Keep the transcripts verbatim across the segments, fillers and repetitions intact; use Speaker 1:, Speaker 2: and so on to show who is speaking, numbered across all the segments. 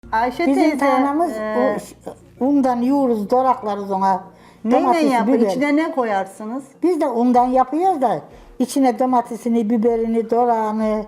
Speaker 1: Ayşe
Speaker 2: Bizim
Speaker 1: teyze,
Speaker 2: tanemiz
Speaker 1: e,
Speaker 2: o, undan yoğuruz, doraklarız ona.
Speaker 1: neyle
Speaker 2: Domatesi,
Speaker 1: yap?
Speaker 2: biber.
Speaker 1: İçine ne koyarsınız?
Speaker 2: Biz de undan yapıyoruz da içine domatesini, biberini, dorağını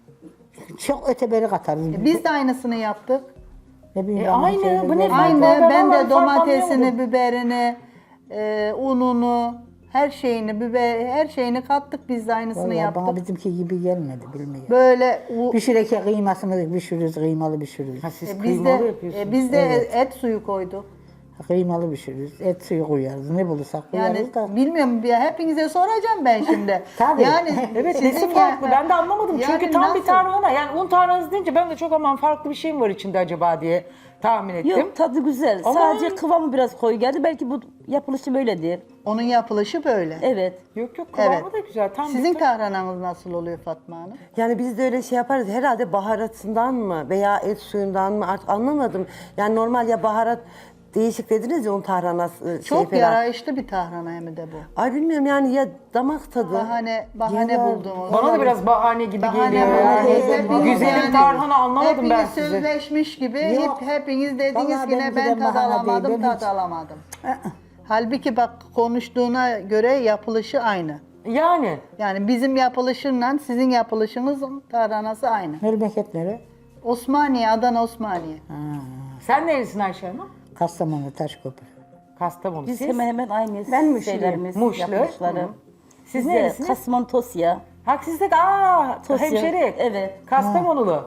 Speaker 2: çok öteberi katarız.
Speaker 1: Biz de aynısını yaptık.
Speaker 2: Ne bileyim
Speaker 3: E,
Speaker 2: ben
Speaker 3: aynı,
Speaker 2: şöyle
Speaker 3: bu ne
Speaker 2: böyle-
Speaker 3: fark
Speaker 1: Aynı.
Speaker 3: var? Ben
Speaker 1: Ben
Speaker 3: vallahi
Speaker 1: de
Speaker 3: fark
Speaker 1: domatesini,
Speaker 3: anlayamadım.
Speaker 1: biberini, e, ununu, her şeyini, biber, her şeyini kattık. Biz de aynısını
Speaker 2: Vallahi
Speaker 1: yaptık.
Speaker 2: bana bizimki gibi gelmedi bilmiyorum.
Speaker 1: Böyle u-
Speaker 2: Pişireke kıymasını pişiririz, kıymalı pişiririz.
Speaker 3: Ha, siz
Speaker 1: e, biz
Speaker 3: kıymalı
Speaker 1: de
Speaker 3: yapıyorsunuz.
Speaker 1: e, biz de
Speaker 2: Evet.
Speaker 1: et suyu koyduk.
Speaker 2: Kıymalı pişiririz, et suyu koyarız, ne bulursak
Speaker 1: Yani
Speaker 2: koyarız da.
Speaker 1: bilmiyorum ya, hepinize soracağım ben şimdi.
Speaker 2: Tabii.
Speaker 1: Yani
Speaker 3: Evet,
Speaker 1: sizin
Speaker 3: nesi
Speaker 1: ya-
Speaker 3: farklı? Ben de anlamadım.
Speaker 1: Yani
Speaker 3: Çünkü tam bir
Speaker 1: nasıl?
Speaker 3: tarhana. Yani un tarhanası deyince ben de çok aman farklı bir şey mi var içinde acaba diye tahmin ettim.
Speaker 4: Yok tadı güzel.
Speaker 3: Ama-
Speaker 4: Sadece kıvamı biraz koyu geldi. Belki bu yapılışı böyledir.
Speaker 1: Onun yapılışı böyle.
Speaker 4: Evet.
Speaker 3: Yok yok kıvamı
Speaker 1: Evet.
Speaker 3: da güzel. Tam
Speaker 1: Sizin
Speaker 3: bir
Speaker 1: tahrananız nasıl oluyor Fatma Hanım?
Speaker 5: Yani biz de öyle şey yaparız. Herhalde baharatından mı veya et suyundan mı artık anlamadım. Yani normal ya baharat değişik dediniz ya un tarhanası şey
Speaker 1: Çok
Speaker 5: falan.
Speaker 1: yarayışlı bir tahrana hem de bu.
Speaker 5: Ay bilmiyorum yani ya damak tadı.
Speaker 1: Bahane bahane
Speaker 5: Ya,
Speaker 1: buldum. o
Speaker 3: Bana da
Speaker 1: zaman.
Speaker 3: biraz bahane gibi
Speaker 1: Bahane
Speaker 3: geliyor.
Speaker 1: bahane.
Speaker 3: Yani.
Speaker 1: Hepiniz
Speaker 3: Güzelim
Speaker 1: yani-
Speaker 3: tarhana anlamadım
Speaker 1: hepiniz
Speaker 3: ben sizi.
Speaker 1: sözleşmiş gibi
Speaker 2: Yok.
Speaker 1: hep, hepiniz dediniz
Speaker 2: Vallahi
Speaker 1: ki ne
Speaker 2: benimki
Speaker 1: ben
Speaker 2: de
Speaker 1: tad
Speaker 2: bahane
Speaker 1: alamadım,
Speaker 2: değil, ben
Speaker 1: tad
Speaker 2: hiç-
Speaker 1: alamadım. Halbuki bak konuştuğuna göre yapılışı aynı.
Speaker 3: Yani.
Speaker 1: Yani bizim yapılışınla sizin yapılışınızın tarhanası aynı.
Speaker 2: Memleket nere?
Speaker 1: Osmaniye, Adana Osmaniye.
Speaker 3: Sen nerelisin Ayşe Hanım?
Speaker 2: Kastamonu, Taşköprü.
Speaker 3: Kastamonu.
Speaker 4: Biz
Speaker 3: Siz?
Speaker 4: hemen hemen aynı
Speaker 6: Ben Muşluyum.
Speaker 4: şeylerimiz,
Speaker 3: Muşlu.
Speaker 4: yapılışları.
Speaker 3: Hı. Siz
Speaker 4: Biz de
Speaker 3: neresiniz?
Speaker 4: Kasman Tosya.
Speaker 3: Ha siz de aa
Speaker 4: Tosya.
Speaker 3: hemşeri.
Speaker 4: Evet.
Speaker 3: Kastamonulu.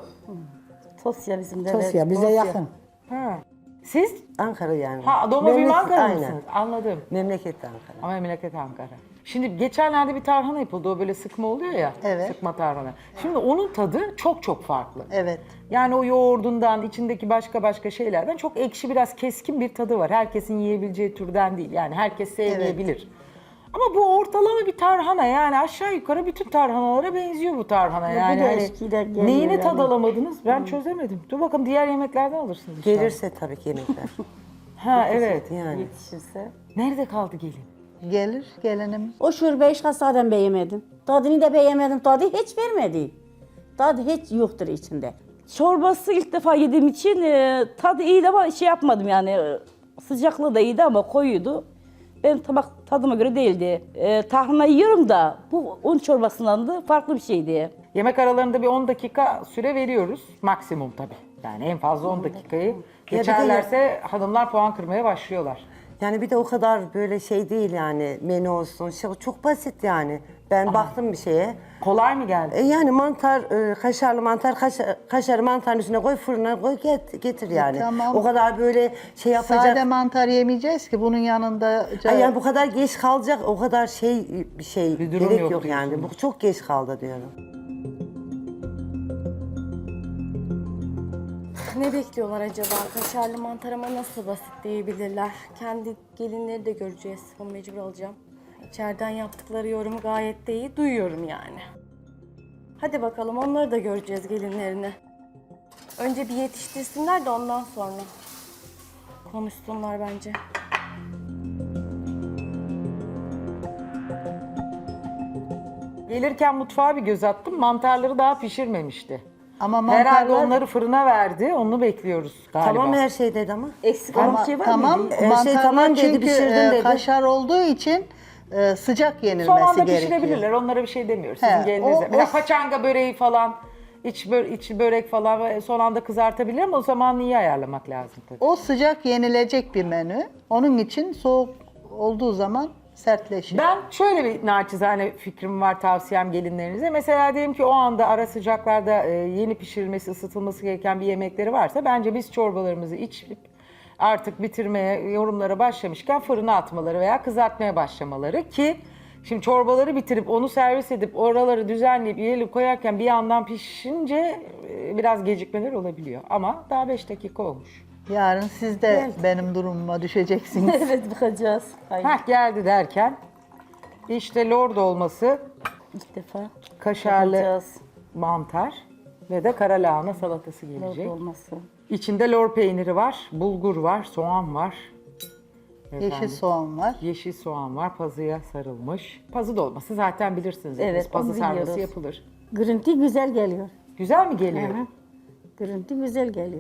Speaker 4: Tosya bizim de.
Speaker 2: Tosya
Speaker 4: evet.
Speaker 2: bize yakın.
Speaker 3: Ha. Siz?
Speaker 5: Ankara yani.
Speaker 3: Ha doğma büyüme
Speaker 5: Memleket-
Speaker 3: Ankara
Speaker 5: aynen.
Speaker 3: mısınız? Anladım.
Speaker 5: Memleket de Ankara.
Speaker 3: Ama memleket Ankara. Şimdi geçenlerde bir tarhana yapıldı. O böyle sıkma oluyor ya.
Speaker 1: Evet.
Speaker 3: Sıkma tarhana. Şimdi onun tadı çok çok farklı.
Speaker 1: Evet.
Speaker 3: Yani o yoğurdundan, içindeki başka başka şeylerden çok ekşi, biraz keskin bir tadı var. Herkesin yiyebileceği türden değil. Yani herkes sevmeyebilir. Ama bu ortalama bir tarhana, yani aşağı yukarı bütün tarhanalara benziyor bu tarhana.
Speaker 4: Bu
Speaker 3: Yani
Speaker 4: da
Speaker 3: hani
Speaker 4: eskiyle geliyor
Speaker 3: neyini
Speaker 4: yani.
Speaker 3: tad alamadınız ben çözemedim. Dur bakalım diğer yemeklerden alırsınız inşallah.
Speaker 5: Gelirse tabii ki yemekler.
Speaker 3: Ha evet.
Speaker 5: yani.
Speaker 4: Yetişirse.
Speaker 3: Nerede kaldı gelin?
Speaker 1: Gelir gelinim.
Speaker 6: O şurbeyi şahsaden beğenmedim. Tadını da beğenmedim. Tadı hiç vermedi. Tadı hiç yoktur içinde.
Speaker 4: Çorbası ilk defa yediğim için e, tadı iyiydi ama şey yapmadım yani. e, Sıcaklığı da iyiydi ama koyuydu. Benim tabak tadıma göre değildi. E, tarhana yiyorum da bu un çorbasından da farklı bir şeydi.
Speaker 3: Yemek aralarında bir on dakika süre veriyoruz. Maksimum tabii. Yani en fazla on dakikayı
Speaker 5: de-
Speaker 3: geçerlerse hanımlar puan kırmaya başlıyorlar.
Speaker 5: Yani bir de o kadar böyle şey değil yani menü olsun. Şey, çok basit yani. Ben baktım bir şeye.
Speaker 3: Kolay mı geldi?
Speaker 5: E yani mantar, e, kaşarlı mantar, kaşar, kaşarı mantarın üstüne koy fırına koy get, getir yani.
Speaker 1: tamam.
Speaker 5: O kadar böyle şey yapacak.
Speaker 1: Sade mantar yemeyeceğiz ki bunun yanında.
Speaker 5: Ay yani bu kadar geç kalacak o kadar şey bir şey
Speaker 3: Bir durum
Speaker 5: gerek
Speaker 3: yok
Speaker 5: yok, yani.
Speaker 3: diyorsunuz.
Speaker 5: Bu çok geç kaldı diyorum.
Speaker 7: Ne bekliyorlar acaba? Kaşarlı mantar ama nasıl basit diyebilirler. Kendi gelinleri de göreceğiz. Onu mecbur alacağım. İçeriden yaptıkları yorumu gayet de iyi duyuyorum yani. Hadi bakalım onları da göreceğiz gelinlerini. Önce bir yetiştirsinler de ondan sonra konuşsunlar bence.
Speaker 3: Gelirken mutfağa bir göz attım. Mantarları daha pişirmemişti.
Speaker 1: Ama mantarlar,
Speaker 3: Herhalde onları fırına verdi. Onu bekliyoruz galiba.
Speaker 5: Tamam her şey dedi ama.
Speaker 4: Eksik olan
Speaker 1: ama
Speaker 4: bir şey var
Speaker 1: tamam
Speaker 4: mıydı?
Speaker 5: şey
Speaker 1: mantarlar
Speaker 5: tamam dedi,
Speaker 1: çünkü
Speaker 5: pişirdim
Speaker 1: e,
Speaker 5: dedi.
Speaker 1: kaşar olduğu için e, sıcak yenilmesi
Speaker 3: Son anda
Speaker 1: gerekiyor.
Speaker 3: pişirebilirler. Onlara bir şey demiyoruz.
Speaker 1: He,
Speaker 3: Sizin gelinizde.
Speaker 1: o-
Speaker 3: Mesela
Speaker 1: o-
Speaker 3: paçanga böreği falan, iç, bö içi börek falan ve son anda kızartabilir ama o zaman iyi ayarlamak lazım tabii.
Speaker 1: O sıcak yenilecek bir menü. Onun için soğuk olduğu zaman sertleşir.
Speaker 3: Ben şöyle bir naçizane fikrim var, tavsiyem gelinlerinize. Mesela diyelim ki o anda ara sıcaklarda e, yeni pişirilmesi, ısıtılması gereken bir yemekleri varsa bence biz çorbalarımızı içip artık bitirmeye, yorumlara başlamışken fırına atmaları veya kızartmaya başlamaları ki şimdi çorbaları bitirip onu servis edip oraları düzenleyip yiyelim koyarken bir yandan pişince e, biraz gecikmeler olabiliyor. Ama daha beş dakika olmuş.
Speaker 1: Yarın siz de benim durumuma düşeceksiniz.
Speaker 4: Evet bakacağız. Hayır.
Speaker 3: Heh geldi derken işte lord olması,
Speaker 4: İlk defa
Speaker 3: kaşarlı
Speaker 4: bakacağız.
Speaker 3: mantar ve de kara lahana salatası
Speaker 4: Lord
Speaker 3: gelecek.
Speaker 4: olması.
Speaker 3: İçinde lor peyniri var, bulgur var, soğan var.
Speaker 1: Yeşil
Speaker 3: Efendim,
Speaker 1: soğan var.
Speaker 3: Yeşil soğan var, pazıya sarılmış. Pazı dolması zaten bilirsiniz.
Speaker 4: Evet,
Speaker 3: hepiniz. Pazı
Speaker 4: onu
Speaker 3: sarması
Speaker 4: biliyoruz.
Speaker 3: yapılır.
Speaker 6: Görüntü güzel geliyor.
Speaker 3: Güzel mi geliyor?
Speaker 6: Hı hı. Görüntü güzel geliyor.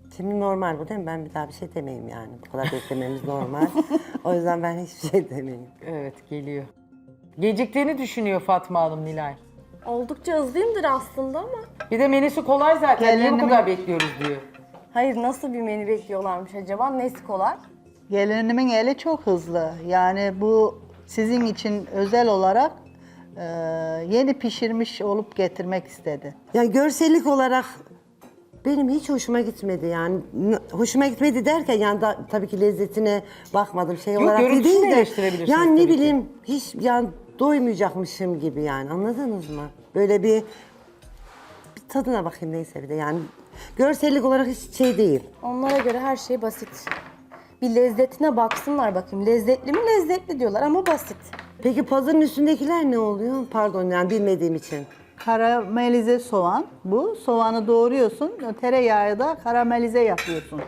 Speaker 5: Şimdi normal bu değil mi? Ben bir daha bir şey demeyeyim yani. Bu kadar beklememiz normal. O yüzden ben hiçbir şey demeyeyim.
Speaker 3: Evet geliyor. Geciktiğini düşünüyor Fatma Hanım Nilay.
Speaker 7: Oldukça hızlıyımdır aslında ama.
Speaker 3: Bir de menüsü kolay zaten. Niye bu
Speaker 1: Gelinimin-
Speaker 3: kadar bekliyoruz diyor.
Speaker 7: Hayır, nasıl bir menü bekliyorlarmış acaba? Nesi kolay?
Speaker 1: Gelinimin eli çok hızlı. Yani bu sizin için özel olarak e, yeni pişirmiş olup getirmek istedi.
Speaker 5: Yani görsellik olarak benim hiç hoşuma gitmedi yani. N- Hoşuma gitmedi derken yani da, tabii ki lezzetine bakmadım şey
Speaker 3: Yok,
Speaker 5: olarak
Speaker 3: görüntüsünü
Speaker 5: değil de.
Speaker 3: eleştirebilirsiniz
Speaker 5: Yani ne
Speaker 3: tabii ki.
Speaker 5: bileyim hiç yani doymayacakmışım gibi yani anladınız mı? Böyle bir, bir tadına bakayım neyse bir de yani. Görsellik olarak hiç şey değil.
Speaker 7: Onlara göre her şey basit. Bir lezzetine baksınlar bakayım. Lezzetli mi? Lezzetli diyorlar ama basit.
Speaker 5: Peki pazarın üstündekiler ne oluyor? Pardon yani bilmediğim için.
Speaker 1: Karamelize soğan bu. Soğanı doğruyorsun, tereyağı da karamelize yapıyorsun.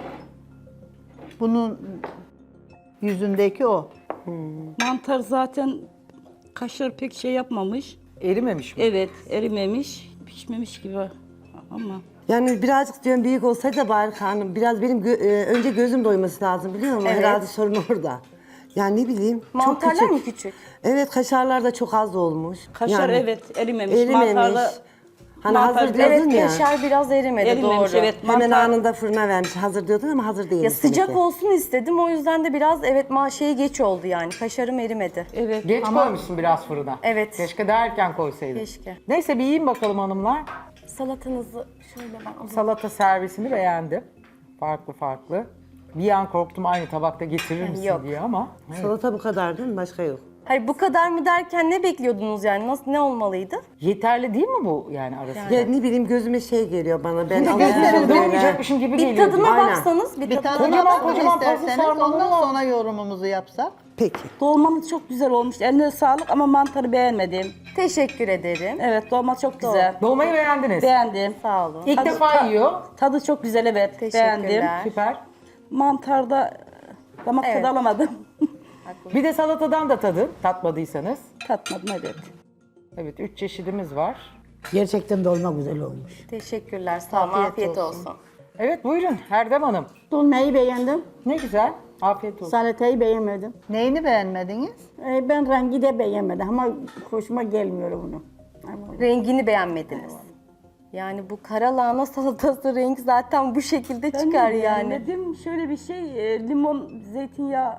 Speaker 1: Bunun yüzündeki o.
Speaker 4: Mantar zaten kaşar pek şey yapmamış.
Speaker 3: Erimemiş mi?
Speaker 4: Evet, erimemiş, pişmemiş gibi ama.
Speaker 5: Yani birazcık diyorum büyük olsaydı da bari karnım. Biraz benim gö- e, önce gözüm doyması lazım biliyor musun?
Speaker 7: Evet.
Speaker 5: Herhalde sorun orada. Yani ne bileyim çok
Speaker 7: Mantarlar
Speaker 5: küçük.
Speaker 7: mı küçük?
Speaker 5: Evet kaşarlar da çok az olmuş.
Speaker 4: Kaşar
Speaker 5: Yani
Speaker 4: evet erimemiş.
Speaker 5: erimemiş.
Speaker 4: Mantarla
Speaker 5: Hani
Speaker 4: mantar
Speaker 5: hazır
Speaker 4: biraz-
Speaker 5: diyordun
Speaker 7: Evet,
Speaker 5: ya.
Speaker 7: kaşar biraz erimedi,
Speaker 4: erimemiş
Speaker 7: doğru.
Speaker 4: evet.
Speaker 5: Hemen
Speaker 4: Mantar,
Speaker 5: anında fırına vermiş. Hazır diyordun ama hazır değil.
Speaker 7: Ya sıcak olsun istedim, o yüzden de biraz evet ma şeyi geç oldu yani. Kaşarım erimedi.
Speaker 4: evet.
Speaker 3: Geç koymuşsun biraz fırına.
Speaker 7: Evet.
Speaker 3: Keşke daha erken koysaydın.
Speaker 7: Keşke.
Speaker 3: Neyse bir yiyin bakalım hanımlar.
Speaker 7: Salatanızı şöyle ben alayım.
Speaker 3: Salata servisini beğendim. Farklı farklı. Bir an korktum aynı tabakta getirir misin
Speaker 7: Yok.
Speaker 3: diye ama.
Speaker 5: Salata bu kadar değil mi? Başka yok.
Speaker 7: Hayır, bu kadar mı derken ne bekliyordunuz yani? Nasıl, ne olmalıydı?
Speaker 3: Yeterli değil mi bu yani arası?
Speaker 5: Ya ne bileyim gözüme şey geliyor bana. Ben
Speaker 1: gösterin,
Speaker 5: alışmışım böyle.
Speaker 3: Doymayacakmışım gibi
Speaker 7: Bir
Speaker 3: geliyor.
Speaker 7: tadına
Speaker 3: diyor.
Speaker 5: Aynen.
Speaker 7: baksanız, bir,
Speaker 1: Bir
Speaker 7: tadına
Speaker 1: tadına
Speaker 3: Kocaman,
Speaker 1: bakın
Speaker 3: kocaman pazı
Speaker 1: isterseniz,
Speaker 3: sarmalı
Speaker 1: ondan
Speaker 3: var.
Speaker 1: sonra yorumumuzu yapsak.
Speaker 5: Peki.
Speaker 4: Dolmamız çok güzel olmuş. Eline sağlık ama mantarı beğenmedim.
Speaker 7: Teşekkür ederim.
Speaker 4: Evet, dolma çok güzel.
Speaker 3: Dolmayı beğendiniz.
Speaker 4: Beğendim.
Speaker 7: Sağ olun.
Speaker 3: İlk defa yiyor.
Speaker 4: Tadı çok güzel evet.
Speaker 7: Teşekkürler.
Speaker 4: Beğendim.
Speaker 3: Süper.
Speaker 4: Mantarda damak
Speaker 7: Evet.
Speaker 4: tadı alamadım.
Speaker 3: Bir de salatadan da tadın tatmadıysanız.
Speaker 4: Tatmadım evet.
Speaker 3: Evet üç çeşidimiz var.
Speaker 2: Gerçekten dolma güzel olmuş.
Speaker 7: Teşekkürler. Sağ olun.
Speaker 1: Afiyet
Speaker 7: Afiyet,
Speaker 1: olsun.
Speaker 7: olsun.
Speaker 3: Evet buyurun Herdem Hanım.
Speaker 6: Dolmayı beğendim,
Speaker 3: Ne güzel. Afiyet olsun.
Speaker 6: salatayı beğenmedim.
Speaker 1: Neyini beğenmediniz?
Speaker 6: Ee, ben rengi de beğenmedim ama hoşuma gelmiyor bunu. Ama
Speaker 7: Rengini beğenmediniz. Yani bu kara lahana salatası rengi zaten bu şekilde
Speaker 4: Ben
Speaker 7: çıkar
Speaker 4: de
Speaker 7: yani.
Speaker 4: beğenmedim. Şöyle bir şey, e, limon, zeytinyağı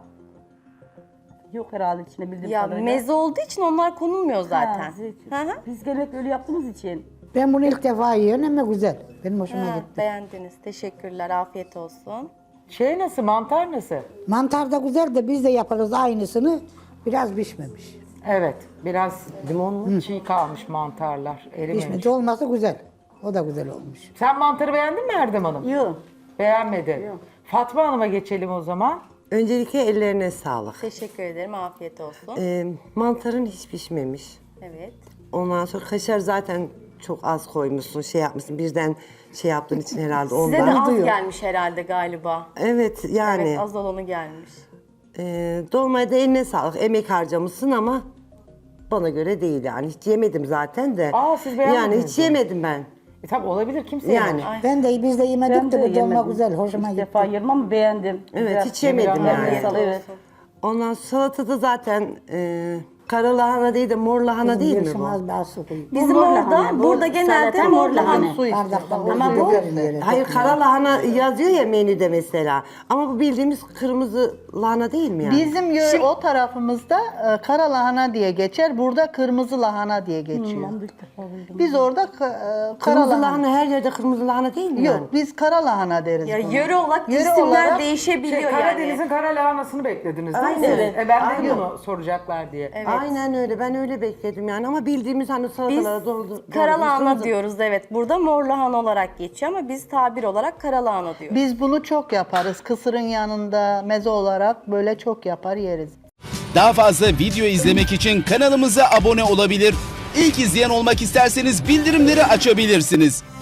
Speaker 4: yok herhalde içine bildiğim
Speaker 7: Ya
Speaker 4: kadarıyla.
Speaker 7: meze olduğu için onlar konulmuyor
Speaker 4: Ha,
Speaker 7: zaten.
Speaker 4: zeytin.
Speaker 7: Hı hı.
Speaker 4: Biz genellikle öyle yaptığımız için.
Speaker 2: Ben bunu ilk defa yiyorum ama güzel. Benim hoşuma
Speaker 7: Ha,
Speaker 2: gitti.
Speaker 7: beğendiniz. Teşekkürler. Afiyet olsun.
Speaker 3: Şey nasıl mantar nasıl?
Speaker 2: Mantar da güzel de biz de yaparız aynısını. Biraz pişmemiş.
Speaker 3: Evet biraz limonlu çiğ kalmış mantarlar. Erimemiş.
Speaker 2: Pişmedi olması güzel. O da güzel olmuş.
Speaker 3: Sen mantarı beğendin mi Erdem Hanım?
Speaker 6: yok.
Speaker 3: Beğenmedi. Fatma Hanım'a geçelim o zaman.
Speaker 5: Öncelikle ellerine sağlık.
Speaker 7: Teşekkür ederim. Afiyet olsun.
Speaker 5: Ee, mantarın hiç pişmemiş.
Speaker 7: Evet.
Speaker 5: Ondan sonra kaşar zaten çok az koymuşsun, şey yapmışsın. Birden şey yaptığın için herhalde
Speaker 7: Size
Speaker 5: ondan.
Speaker 7: de az
Speaker 5: Duyuyor.
Speaker 7: gelmiş herhalde galiba.
Speaker 5: Evet yani
Speaker 7: Evet, az olanı gelmiş.
Speaker 5: e, dolmaya da eline sağlık. Emek harcamışsın ama bana göre değil yani. Hiç yemedim zaten de.
Speaker 3: Aa, siz beğenmediniz
Speaker 5: Yani hiç
Speaker 3: mi?
Speaker 5: yemedim ben.
Speaker 3: E tabi olabilir kimse
Speaker 5: Yani.
Speaker 3: yememiş.
Speaker 2: Ben de biz de yemedik
Speaker 4: Ben
Speaker 2: de
Speaker 4: de
Speaker 2: bu dolma
Speaker 4: yemedim.
Speaker 2: güzel. Hoşuma
Speaker 4: İlk
Speaker 2: gitti.
Speaker 4: defa yerim ama beğendim.
Speaker 5: Evet
Speaker 4: Güzel.
Speaker 5: hiç yemedim
Speaker 3: Eline
Speaker 5: yani.
Speaker 4: sağlık. Evet.
Speaker 5: Ondan sonra salatada zaten e, kara lahana değil de mor lahana değil mi bu?
Speaker 2: Az daha su koyayım.
Speaker 7: Bizim
Speaker 6: mor
Speaker 7: orada,
Speaker 6: lahana, bu
Speaker 7: burada genelde
Speaker 6: salata
Speaker 7: mor
Speaker 6: mor
Speaker 7: lahana.
Speaker 6: lahana.
Speaker 1: Su işte.
Speaker 2: Bardaktan
Speaker 1: Ama
Speaker 2: böyle
Speaker 1: bu
Speaker 2: görünüyor.
Speaker 5: Hayır kara lahana yazıyor ya menüde mesela. Ama bu bildiğimiz kırmızı lahana değil mi yani?
Speaker 1: Bizim yö- o tarafımızda e, kara lahana diye geçer. Burada kırmızı lahana diye geçiyor.
Speaker 4: Ben de ilk defa buldum.
Speaker 1: Biz orada ka- e, kara
Speaker 5: Kırmızı
Speaker 1: lahana.
Speaker 5: lahana her yerde kırmızı lahana değil mi
Speaker 1: Yok,
Speaker 5: yani?
Speaker 1: biz kara lahana deriz
Speaker 7: Ya
Speaker 1: buna.
Speaker 7: yöre olarak
Speaker 1: Yöre
Speaker 7: isimler
Speaker 1: olarak
Speaker 7: değişebiliyor
Speaker 3: Şey,
Speaker 7: yani.
Speaker 3: Karadeniz'in kara lahanasını beklediniz değil mi?
Speaker 5: Aynen.
Speaker 3: siz?
Speaker 5: Evet.
Speaker 3: E, ben de
Speaker 5: Aynen.
Speaker 3: bunu soracaklar diye.
Speaker 7: Evet.
Speaker 5: Aynen öyle. Ben öyle bekledim yani ama bildiğimiz hani
Speaker 7: Biz
Speaker 5: salatalara doldu.
Speaker 7: kara lahana
Speaker 5: kırmızı-
Speaker 7: diyoruz, evet. Burada mor lahana olarak geçiyor ama biz tabir olarak kara lahana diyoruz.
Speaker 1: Biz bunu çok yaparız. Kısırın yanında meze olarak böyle çok yapar yeriz.
Speaker 8: Daha fazla video izlemek için kanalımıza abone olabilir. İlk izleyen olmak isterseniz bildirimleri açabilirsiniz.